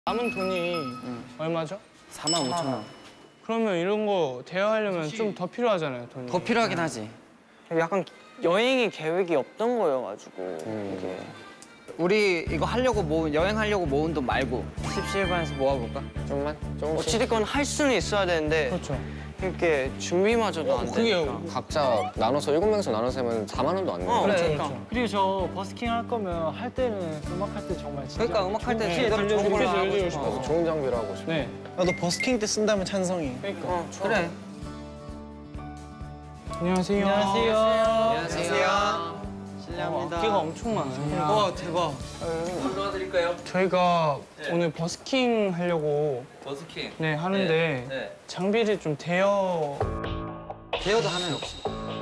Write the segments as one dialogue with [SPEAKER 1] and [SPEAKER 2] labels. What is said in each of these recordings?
[SPEAKER 1] 남은 돈이 얼마죠?
[SPEAKER 2] 45,000원.
[SPEAKER 1] 그러면 이런 거 대여하려면 좀 더 필요하잖아요, 돈이.
[SPEAKER 2] 더 필요하긴 하지.
[SPEAKER 3] 약간 여행이 계획이 없던 거여가지고 이게.
[SPEAKER 2] 우리 이거 하려고 여행하려고 모은 돈 말고 17반에서 모아볼까?
[SPEAKER 3] 좀만? 어찌됐건 할 수는 있어야 되는데
[SPEAKER 1] 그렇죠.
[SPEAKER 3] 이렇게 준비마저도 안
[SPEAKER 1] 그게
[SPEAKER 3] 되니까.
[SPEAKER 4] 각자 나눠서 7명에서 나눠서 하면 4만 원도 안 내요.
[SPEAKER 1] 그래,
[SPEAKER 3] 그러니까.
[SPEAKER 1] 그렇죠.
[SPEAKER 5] 그리고 저 버스킹 할 거면 할 때는 음악 할 때 정말 진짜
[SPEAKER 2] 그러니까 음악 할 때
[SPEAKER 1] 네,
[SPEAKER 2] 제대로 좋은 걸 하고
[SPEAKER 1] 들려주고
[SPEAKER 2] 싶어.
[SPEAKER 4] 그래서 좋은 장비를 하고 싶어.
[SPEAKER 1] 네.
[SPEAKER 5] 나도 버스킹 때 쓴다면 찬성이.
[SPEAKER 1] 그러니까.
[SPEAKER 2] 그래.
[SPEAKER 1] 안녕하세요.
[SPEAKER 2] 안녕하세요. 실례합니다.
[SPEAKER 1] 끼가 엄청 많아요.
[SPEAKER 5] 와 대박.
[SPEAKER 6] 도와드릴까요?
[SPEAKER 1] 저희가 오늘 버스킹 하려고
[SPEAKER 6] 버스킹.
[SPEAKER 1] 네, 하는데
[SPEAKER 6] 네.
[SPEAKER 1] 장비를 좀 대여...
[SPEAKER 2] 대여도 하나요 혹시?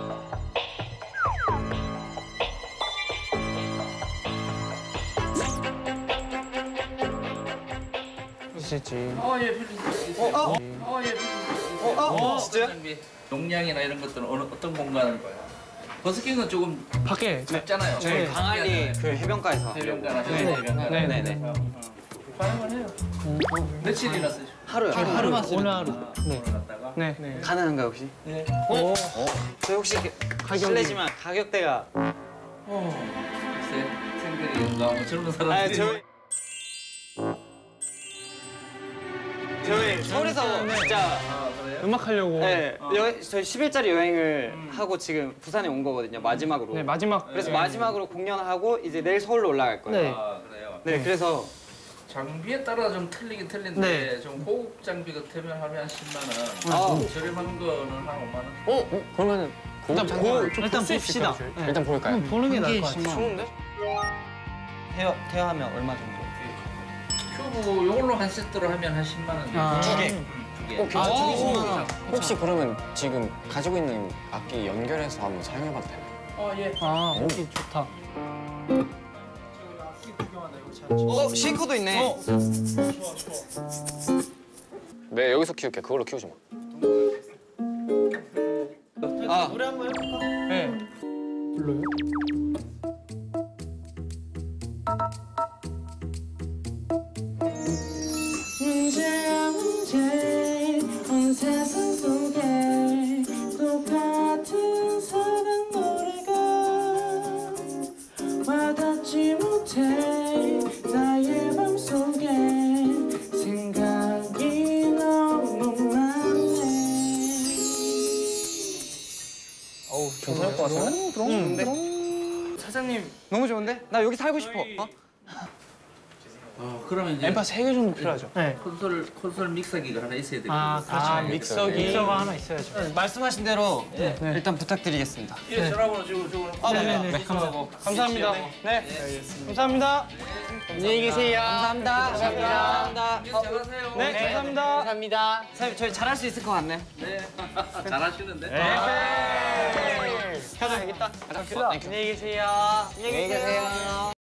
[SPEAKER 1] 있을지.
[SPEAKER 6] 예, 빌릴 수 있어요. 예, 빌릴 수 있어요.
[SPEAKER 5] 진짜요?
[SPEAKER 6] 장비. 용량이나 이런 것들은 어떤 공간을 봐요? 버스킹은 조금
[SPEAKER 1] 밖에.
[SPEAKER 6] 작잖아요.
[SPEAKER 1] 네.
[SPEAKER 2] 강한리 그 해변가에서.
[SPEAKER 6] 해변가나 저기
[SPEAKER 1] 네.
[SPEAKER 6] 해변가.
[SPEAKER 1] 네네네.
[SPEAKER 6] 가능은 해요. 며칠이나 쓰죠?
[SPEAKER 2] 하루요.
[SPEAKER 5] 하루만 쓰 오늘 하루.
[SPEAKER 6] 오늘 갔다가.
[SPEAKER 1] 네.
[SPEAKER 2] 가능한가요 혹시?
[SPEAKER 6] 네.
[SPEAKER 2] 저희 혹시 실례지만 가격대가
[SPEAKER 6] 글쎄, 생들인가 뭐 젊은 사람들이.
[SPEAKER 2] 저희 서울에서 진짜
[SPEAKER 6] 아, 그래요?
[SPEAKER 1] 음악 하려고.
[SPEAKER 2] 네, 저희 10일짜리 여행을 하고 지금 부산에 온 거거든요, 마지막으로.
[SPEAKER 1] 네, 마지막.
[SPEAKER 2] 그래서 마지막으로 공연하고 이제 내일 서울로 올라갈 거예요.
[SPEAKER 5] 네.
[SPEAKER 6] 아, 그래요?
[SPEAKER 2] 네, 그래서
[SPEAKER 6] 장비에 따라 좀 틀리긴 틀린데
[SPEAKER 1] 네.
[SPEAKER 6] 좀 고급 장비 같으면 하면 한 10만
[SPEAKER 2] 아.
[SPEAKER 6] 원, 저렴한 거는 한 5만 원.
[SPEAKER 4] 그러면은
[SPEAKER 1] 일단
[SPEAKER 5] 일단 봅시다.
[SPEAKER 4] 일단 볼까요?
[SPEAKER 5] 보는 게 나을 것 같아.
[SPEAKER 1] 좋은데?
[SPEAKER 2] 대여하면 얼마 정도?
[SPEAKER 6] 큐브 이걸로 한 세트로 하면 한 10만 원.
[SPEAKER 5] 아.
[SPEAKER 6] 두 개.
[SPEAKER 4] 혹시 그러면 지금 가지고 있는 악기 연결해서 한번 사용해봐도 되나요?
[SPEAKER 6] 예.
[SPEAKER 5] 아, 여기 좋다.
[SPEAKER 2] 쉐이커도 있네.
[SPEAKER 4] 네, 여기서 키울게. 그걸로 키우지 마.
[SPEAKER 2] 아,
[SPEAKER 5] 노래 한번 해볼까?
[SPEAKER 1] 네. 불러요?
[SPEAKER 7] 문제야 문제 온 세상 속에 똑같은 사랑 노래가 와닿지 못해 나의 맘속에 생각이 너무 많네.
[SPEAKER 4] 어우, 괜찮을 것 같은데?
[SPEAKER 2] 좋은데?
[SPEAKER 1] 사장님,
[SPEAKER 2] 너무 좋은데? 나 여기 살고 싶어. 어?
[SPEAKER 6] 그러면 이제
[SPEAKER 1] 앰파 3개 정도 필요하죠?
[SPEAKER 5] 네.
[SPEAKER 6] 콘솔 믹서기가 하나 있어야 되고.
[SPEAKER 5] 아, 그렇죠.
[SPEAKER 1] 믹서기.
[SPEAKER 5] 믹서가 하나 있어야죠.
[SPEAKER 2] 말씀하신 대로 일단 부탁드리겠습니다.
[SPEAKER 6] 예, 전화번호 주고.
[SPEAKER 5] 네네네.
[SPEAKER 1] 감사합니다. 네. 감사합니다. 안녕히 계세요.
[SPEAKER 2] 감사합니다. 감사합니다.
[SPEAKER 6] 잘하세요.
[SPEAKER 1] 네, 감사합니다.
[SPEAKER 2] 감사합니다. 사장님, 저희 잘할 수 있을 것 같네.
[SPEAKER 6] 네. 잘하시는데.
[SPEAKER 1] 가자, 되겠다.
[SPEAKER 2] 안녕히 계세요. 안녕히 계세요.